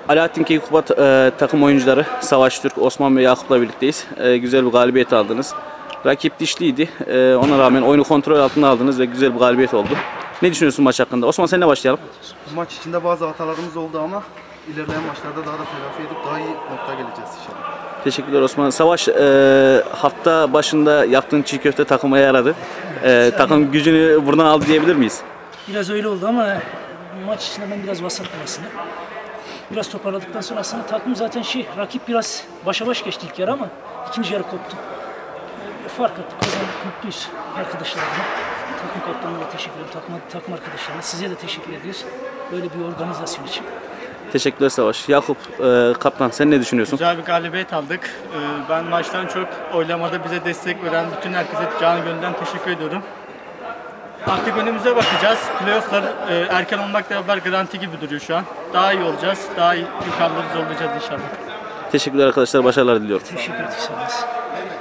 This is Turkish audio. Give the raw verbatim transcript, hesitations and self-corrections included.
Alaaddin Keykubat e, takım oyuncuları Savaş Türk, Osman ve Yakup'la birlikteyiz. E, güzel bir galibiyet aldınız. Rakip dişliydi. E, ona rağmen oyunu kontrol altına aldınız ve güzel bir galibiyet oldu. Ne düşünüyorsun maç hakkında? Osman, seninle başlayalım. Maç içinde bazı hatalarımız oldu ama ilerleyen maçlarda daha da telafi edip daha iyi noktaya geleceğiz inşallah. Teşekkürler Osman. Savaş, e, hafta başında yaptığın çiğ köfte takıma yaradı. E, takım gücünü buradan aldı diyebilir miyiz? Biraz öyle oldu ama maç içinde ben biraz vasat aslında. Biraz toparladıktan sonra aslında takım zaten şey, rakip biraz başa baş geçti ilk yarı ama ikinci yarı koptu. Fark attık, kazandık, mutluyuz arkadaşlarıma. Takım kaptanına da teşekkür ederim, takım, takım arkadaşlarına. Size de teşekkür ediyoruz. Böyle bir organizasyon için. Teşekkürler Savaş. Yakup, e, kaptan, sen ne düşünüyorsun? Güzel bir galibiyet aldık. Ee, Ben maçtan çok oylamada bize destek veren bütün herkese canı gönülden teşekkür ediyorum. Artık önümüze bakacağız. Playoff'lar e, erken olmakla beraber garanti gibi duruyor şu an. Daha iyi olacağız. Daha iyi yukarıları zorlayacağız inşallah. Teşekkürler arkadaşlar. Başarılar diliyorum. Teşekkür ederim.